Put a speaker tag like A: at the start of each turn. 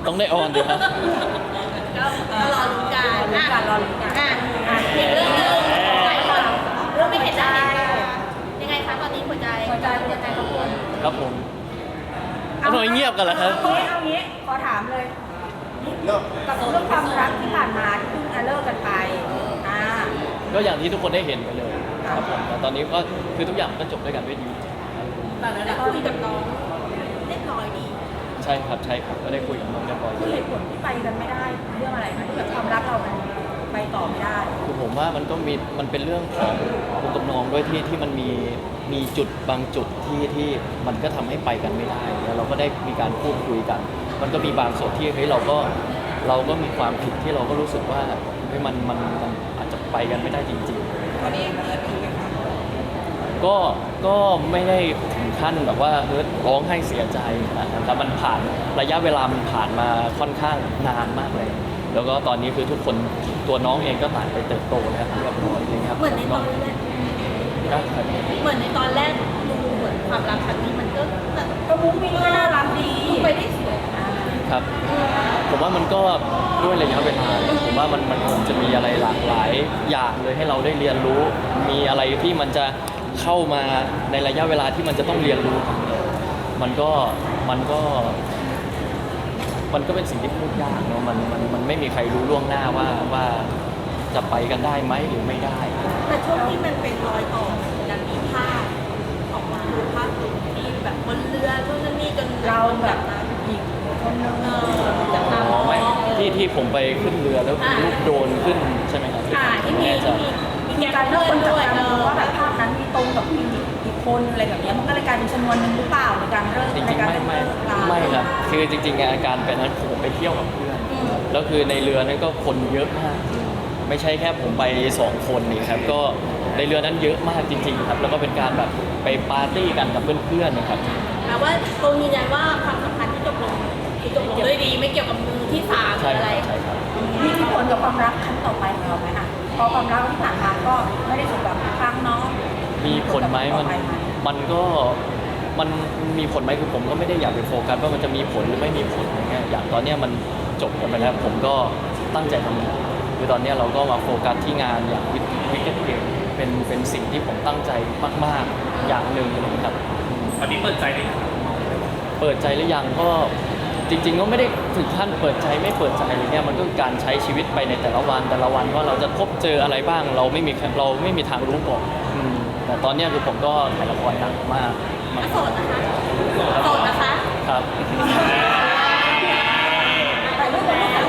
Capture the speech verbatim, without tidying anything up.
A: ต้องได้ออนดีครับ
B: ก็ก็รอลุ้นกัน
C: รอลุ้นกันรอลุ้นกัน
B: อ่ะอ่ะอีกเรื่องหนึงหลายคนเรื่องไม่เห็นใจยังไงคะตอนนี้หัวใจ
C: หัวใจเป็นยังไงครับคุณ
A: ครับผมทำไมเงียบกันล่ะครับ
C: เอางี้เอางี้ขอถามเลยกับเรื่องความรักที่ผ่านมาที่เพิ่งเลิกกันไปอ่า
A: ก็อย่างที่ทุกคนได้เห็นไปเลยครับผมแต่ตอนนี้ก็คือทุกอย่างก็จบด้วยกันด้วยดี
B: แต่ได้คุยกับน้องเรียบร้อยดี
A: ใช่ครับใช่ครับก็ได้คุยกับน้องเรียบร้อย
C: คือเหตุผลที่ไปกันไม่ได้เรื่องอะไรคะที่แบบความรักเรามันไปต่อไม่ได้
A: คือผมว่ามันก็มีมันเป็นเรื่องของคุณกับน้องด้วยที่ที่มันมีมีจุดบางจุดที่ที่มันก็ทำให้ไปกันไม่ได้แล้วเราก็ได้มีการพูดคุยกัน มันก็มีบางส่วนที่เฮ้ยเราก็เราก็มีความผิดที่เราก็รู้สึกว่าเฮ้ยมันมันมันอาจจะไปกันไม่ได้จริงๆ
C: ตอนนี้ยังเฮิร์ตอยู่ไหมคะ
A: ก็ก็ไม่ได้ถึงขั้นแบบว่าเฮ้ยร้องไห้เสียใจนะครับแต่มันผ่านระยะเวลามันผ่านมาค่อนข้างนานมากเลย แล้วก็ตอนนี้คือทุกคนตัวน้องเองก็ต่างไปเติบโตแล้วเรียบร้อยเลยครับ
B: เหมือนในตอนแรก
A: ก็
B: เหมือนในตอนแรกดูเหมือนความรักครั้งนี้มันก็แบบ
C: ก็มุ้งมิ้งก็น่ารักดี
B: ดูไปได้สวย
C: อ่า
A: ครับ ผมว่ามันก็ด้วยระยะเวลาผมว่ามันมันคงจะมีอะไรหลากหลายอย่างเลยให้เราได้เรียนรู้ มีอะไรที่มันจะเข้ามาในระยะเวลาที่มันจะต้องเรียนรู้ มันก็มันก็ มันก็เป็นสิ่งที่พูดยากเนาะมันมันมันไม่มีใครรู้ล่วงหน้าว่าว่าจะไปกันได้ไหมหรือไม่ได้
B: แต่ช่วงที่มันเป็นรอยต่อกันมีภาพออกมาภาพหนึ่งที่แบบบนเรือนู่นนั่นนี่จน
C: เราแบ
B: แบบ บ
C: หญิงคนนึง
B: เออจากตา
A: อ๋อไม่ที่ที่ผมไปขึ้นเรือแล้ว
B: อ่า
A: ลูกโดรนขึ้นใช่ไหมครับ
B: ค่ะที่มี
A: แน่ใจ
B: ที่มี
C: มี
B: แก
C: การ
B: ง
C: เลือก
B: เพื่
C: ค
B: อน
C: นจับ
B: ด้วย
C: ตา
B: เอ
C: ดู
B: อ
C: ว่าแบบภาพนั้นมีตรงกับผู้หญิงอีกคนอะไรแบบเนี้ยมันก็เลยกลายเป็นชนวนหนึ่งหรือเปล่าในการเลิก
A: จริง
C: ใน
A: ๆ
C: การ
A: ไม่ไม่
C: เลิกลา
A: ไม่ครับคือจริงๆอาการเป็นนั้นผมไปเที่ยวกับเพื่อน
B: อืม
A: แล้วคือในเรือนั้นก็คนเยอะมาก ไม่ใช่แค่ผมไปสองคนนี่ครับก็ในเรือนั้นเยอะมากจริง ๆ ครับ แล้วก็เป็นการแบบไปปาร์ตี้กันกับเพื่อนๆนะครับ
B: แปลว่าตรงยืนยันว่าความสัมพันธ์ที่จบลงคือจบลงด้วยดีไม่เกี่ยวกับมือที่สามหรื
A: ใช่
B: อ
A: ค
B: อะไร
A: รับใช่ครับ
C: มีที่ผลกับความรักครั้งต่อไปของเราไหมอ่ะพอความรักที่ผ่านมาก็ไม่ได้สมหวังทุกครั้งเนาะ
A: มีผลไหมมันมันก็มันมีผลไหมคือผมก็ไม่ได้อยากไปโฟกัสว่ามันจะมีผลหรือไม่มีผลอะไรเงี้ยอย่างตอนเนี้ยมันจบกันไปแล้วผมก็ตั้งใจทำงานคือตอนเนี้ยเราก็มาโฟกัสที่งานอย่างวิกเก็ตเกมเป็นเป็นสิ่งที่ผมตั้งใจมากๆอย่างหนึ่งเลยครับ
D: ตอนนี้เปิดใจหรือยัง
A: เปิดใจหรือยังก็จริง ๆ ก็ไม่ได้ถึงขั้นเปิดใจไม่เปิดใจอะไรเงี้ยมันก็คือการใช้ชีวิตไปในแต่ละวันแต่ละวันว่าเราจะพบเจออะไรบ้างเราไม่มีเราไม่มีทางรู้ก่อนอืมแต่ตอนเนี้ยคือผมก็ถ่ายละครหนักมากมาก
B: โสดนะคะโสดนะคะ
A: ครับ
B: เอ